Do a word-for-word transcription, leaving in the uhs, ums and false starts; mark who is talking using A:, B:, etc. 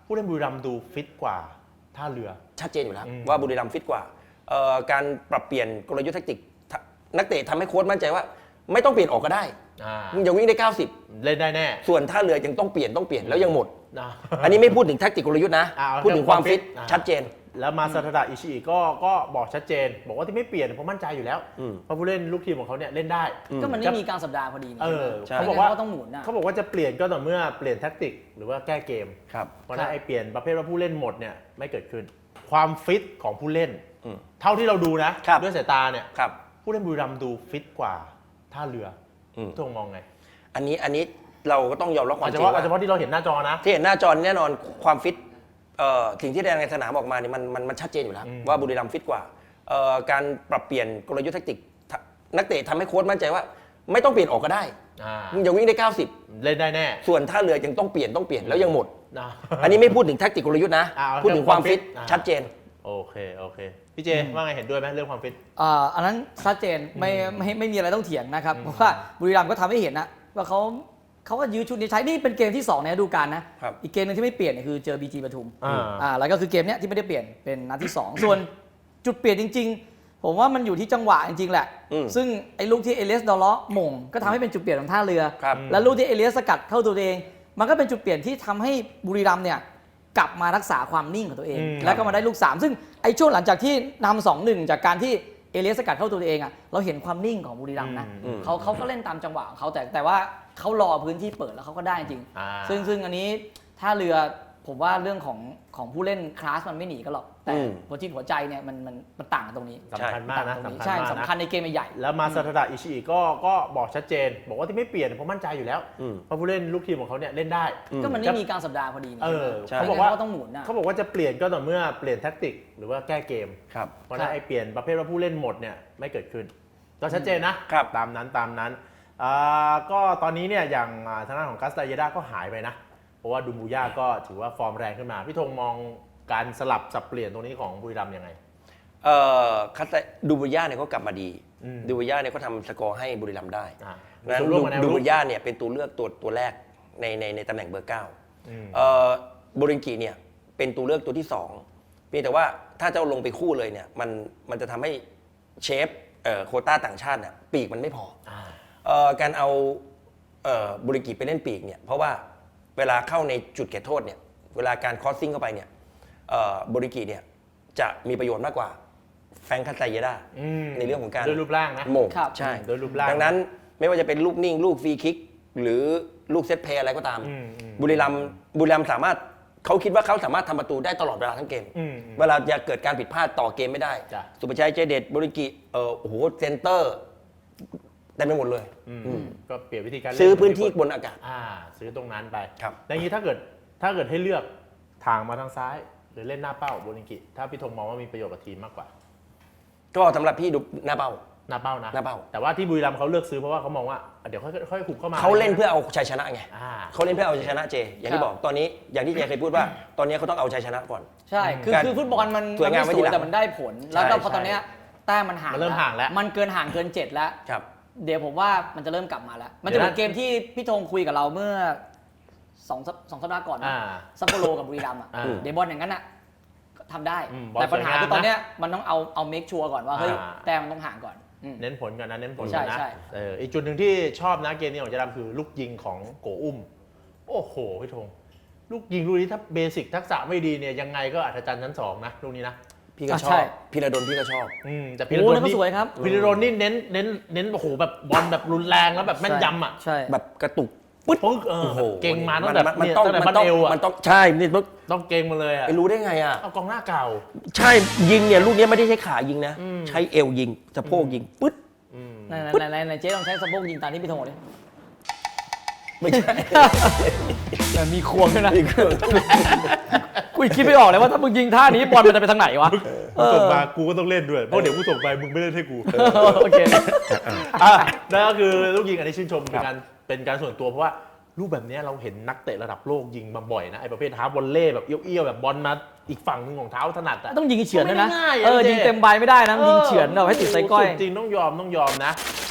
A: ผู้เล่นบุรีรัมย์ดูฟิตกว่าท่าเรือ
B: ชัดเจนอยู่แล้วว่าบุรีรัมย์ฟิตกว่าการปรับเปลี่ยนกลยุทธ์แทคติกนักเตะทำให้โค้ชมั่นใจว่าไม่ต้องเปลี่ยนออกก็ได้มึงจะวิ่งได้เก้าสิบ
A: เล่นได้แน่
B: ส่วนท่าเรือยังต้องเปลี่ยนต้องเปลี่ยนแล้วยังหมดอันนี้ไม่พูดถึงแทคติกกลยุทธ์นะพูดถึงความฟิตชัดเจน
A: แล้วมาซาทาดะอิชิอิก็ก็บอกชัดเจนบอกว่าที่ไม่เปลี่ยนเพราะมั่นใจอยู่แล้วเพราะผู้เล่นลูกทีมของเขาเนี่ยเล่นได้
C: ก็มันไม่มีการสัปดาห์พอดี
A: เออ
C: เขาบอกว่าต้องหมุนนะ
A: เขาบอกว่าจะเปลี่ยนก็ต่อเมื่อเปลี่ยนแทคติกหรือว่าแก้เกมเพราะนั้นไอ้เปลี่ยนประเภทว่าผู้เล่นหมดเนี่ยไม่เกิดขึ้นความฟิตของผู้เล่นเท่าที่เราดูนะด้วยสายตาเนี่ยผู้เล่นบุรีรัมย์ดูฟิตกว่าท่าเรือทงมองไง
B: อันนี้อันนี้เราก็ต้องยอมรับความจริง
A: ว่าเฉพาะที่เราเห็นหน้าจอนะ
B: ที่เห็นหน้าจอแน่นอนความฟิตสิ่งที่แสดงในสนามออกมาเนี่ยมันมันมันชัดเจนอยู่แล้วว่าบุรีรัมย์ฟิตกว่าการปรับเปลี่ยนกลยุทธ์แทคติกนักเตะทำให้โค้ชมั่นใจว่าไม่ต้องเปลี่ยนออกก็ได้มึงจะวิ่งได้เก้าสิบ
A: เล่นได้แน่
B: ส่วนท่าเรือยังต้องเปลี่ยนต้องเปลี่ยนแล้วยังหมดอันนี้ไม่พูดถึงแทคติกกลยุทธ์นะพูดถึงความฟิตชัดเจน
A: โอเคโอเคพี่เจว่าไงเห็นด้วยไหมเรื่องความฟิต
C: อ่าอันนั้นชัดเจนไม่ไม่ไม่มีอะไรต้องเถียงนะครับเพราะว่าบุรีรัมย์ก็ทำให้เห็นนะว่าเขาเขาก็ยื้อชุดนี้ใช้นี่เป็นเกมที่สองในฤดูกาลนะอีกเกมนึงที่ไม่เปลี่ยนเนี่ยคือเจอ บี จี ปทุมอ่าแล้วก็คือเกมเนี้ยที่ไม่ได้เปลี่ยนเป็นนัดที่สองส่วนจุดเปลี่ยนจริงๆผมว่ามันอยู่ที่จังหวะจริงๆแหละซึ่งไอ้ลูกที่เอเลียสดอลเลาะหม่งก็ทำให้เป็นจุดเปลี่ยนของท่าเรือแล้วลูกที่เอเลียสสกัดเข้าตัวเองมันก็เป็นจุดเปลี่ยนที่ทำให้บุรีรัมย์เนี่ยกลับมารักษาความนิ่งของตัวเองแล้วก็มาได้ลูกสามซึ่งไอ้ช่วงหลังจากที่นำสองหนึ่งจากการที่เอเลียสสกัดเข้าตัวเองอ่ะเราเห็นความนิ่งของบุรีรัมย์นะเขาเขาก็เล่นตามจังหวะของเขาแต่แต่ว่าเขารอพื้นที่เปิดแล้วเขาก็ได้จริงซึ่งซึ่งอันนี้ท่าเรือผมว่าเรื่องของของผู้เล่นคลาสมันไม่หนีกันหรอกแต่หัวจิตหัวใจเนี่ยมันมันมันต่างกันตรงนี้
A: สำคัญมากนะ
C: ใช่สำคัญในเกมใหญ่
A: แล้วมาซาทาดะอิชิอิก็ก็บอกชัดเจนบอกว่าที่ไม่เปลี่ยนเพราะมั่นใจอยู่แล้วเพราะผู้เล่นลูกทีมของเขาเนี่ยเล่นได้
C: ก็มันไม่มีการสัปดาห์พอดี
A: เขาบอกว่าต้องหมุนนะเขาบอกว่าจะเปลี่ยนก็ต่อเมื่อเปลี่ยนแทคติกหรือว่าแก้เกมเพราะนั้นไอ้เปลี่ยนประเภทว่าผู้เล่นหมดเนี่ยไม่เกิดขึ้นก็ชัดเจนนะตามนั้นตามนั้นก็ตอนนี้เนี่ยอย่างทางด้านของกัสตาเยดาก็หายไปนะเพราะว่าดูมูย่าก็ถือว่าฟอร์มแรงขึ้นมาพี่ธงมองการสลับสับเปลี่ยนตรงนี้ของบุรีรัมย์ยังไง
B: เอ่อคัสดูมูย่าเนี่ยเขากลับมาดีดูมูย่าเนี่ยเขาทำสกอร์ให้บุรีรัมย์ได้นั้นดูมูย่าเนี่ยเป็นตัวเลือกตัวตัวแรกในในในตำแหน่งเบอร์เก้าเอ่อโบริงกิเนี่ยเป็นตัวเลือกตัวที่สองเพียงแต่ว่าถ้าจะลงไปคู่เลยเนี่ยมันมันจะทำให้เชฟเอ่อโควต้าต่างชาติเนี่ยปีกมันไม่พอเอ่อการเอาเอ่อโบริงกิไปเล่นปีกเนี่ยเพราะว่าเวลาเข้าในจุดเขตโทษเนี่ยเวลาการคอสซิ่งเข้าไปเนี่ยโบริกิเนี่ยจะมีประโยชน์มากกว่าแฟรงค์คัสไตเยด้าในเรื่องของการ
A: โดยรูปร่างนะ
B: โมงใช่
A: โดยรูปร่าง
B: ดังนั้นไม่ว่าจะเป็นลูกนิ่งลูกฟรีคิกหรือลูกเซตเพลย์อะไรก็ตามบุรีรัมย์บุรีรัมย์สามารถเขาคิดว่าเขาสามารถทำประตูได้ตลอดเวลาทั้งเกมเวลาจะเกิดการผิดพลาดต่อเกมไม่ได้สุภชัยใจเด็ดโบริกิเออโอ้โหเซนเตอร์ได้ไปหมดเลย
A: ก็เปลี่ยนวิธีการ
B: ซื้อพื้นที่บนอากาศ
A: ซื้อตรงนั้นไป
B: ครับ
A: อย่างนี้ถ้าเกิดถ้าเกิดให้เลือกทางมาทางซ้ายหรือเล่นหน้าเป้าโบลิงกิถ้าพี่ธงมองว่ามีประโยชน์กับทีมมากกว่า
B: ก็สำหรับพี่ดูหน้าเป้า
A: หน้าเป้านะ
B: หน้าเป้า
A: แต่ว่าที่บุรีรัมย์เขาเลือกซื้อเพราะว่าเขามองว่าเดี๋ยวค่อยค่อยขุบเข้ามา
B: เขาเล่นเพื่อเอาชัยชนะไงเขาเล่นเพื่อเอาชัยชนะเจอย่างที่บอกตอนนี้อย่างที่เจเคยพูดว่าตอนนี้เขาต้องเอาชัยชนะก่อน
C: ใช่คือคือฟุตบอลมัน
B: สวยงาม
C: แต่มันได้ผลแล้วก็พอตอนนี้แต้มมันห่าง
A: เริ่มห่างแล้ว
C: มันเกินห่างเกินเจ็ดแล้วเดี๋ยวผมว่ามันจะเริ่มกลับมาแล้วมันจะเป็นเกมที่พี่ธงคุยกับเราเมื่อสองสองสัปดาห์ก่อนซัปโปโรกับบุรีรัมย์อ่ะเดบอลอย่างนั้นอ่ะทำได้แต่ปัญหาคือตอนนี้มันต้องเอาเอาเมคชัวร์ก่อนว่าเฮ้ยแต่มันต้องห่างก่อน
A: เน้นผลกันนะเน้นผลกันนะเอออีกจุดหนึ่งที่ชอบนะเกมนี้ของเจดามคือลูกยิงของโกอุ้มโอ้โหพี่ธงลูกยิงลูกนี้ถ้าเบสิกทักษะไม่ดีเนี่ยยังไงก็อัศจรรย์ชั้นสองนะลูกนี้นะ
B: พี่ก็ชอบพีระดลพี่ก็ชอบ
A: แต่พีระดลนี่สวยครับพีระดลนี่เน้นเน้นเน้นโอ้โหแบบบอลแบบรุนแรงแล้วแบบแม่นยำอ่ะ
B: แบบกระตุก
A: ปึ๊ดโอ้โหเก่งมาตั้งแต่
B: มันต้องมันต้องมันต้องใช่นี่
A: ต้องเก่งมาเลยอ่ะ
B: ไปรู้ได้ไงอ่ะ
A: เอากองหน้าเก่า
B: ใช่ยิงเนี่ยลูกนี้ไม่ได้ใช้ขายิงนะใช้เอวยิงสะโพกยิงปึ๊ด
C: ไหนไหนไหนเจ๊ลองใช้สะโพกยิงตามที่พี่ธงบอกดิ
B: ไม่ใช่
C: แต่มีควงด้วยนะกูคิดไม่ออกเลยว่าถ้ามึงยิงท่านี้บอลมันจะไปทางไหนวะ
A: ส่งมากูก็ต้องเล่นด้วยเพราะเดี๋ยวกูส่งไปมึงไม่เล่นให้กู
C: โอเค
A: อ่ะนั่นก็คือลูกยิงอันนี้ชื่นชมเป็นการเป็นการส่วนตัวเพราะว่าลูกแบบนี้เราเห็นนักเตะระดับโลกยิงมาบ่อยนะไอ้ประเภทฮาร์ฟวอลเล่แบบเอี้ยวๆแบบบอลมาอีกฝั่งนึงของเท้าถนัดอ่ะ
C: ต้องยิงเฉือนด้วยนะเออยิงเต็มใบไม่ได้นะยิงเฉือนเราให้ติดไส้ก้อย
A: จริงต้องยอมต้องยอมนะ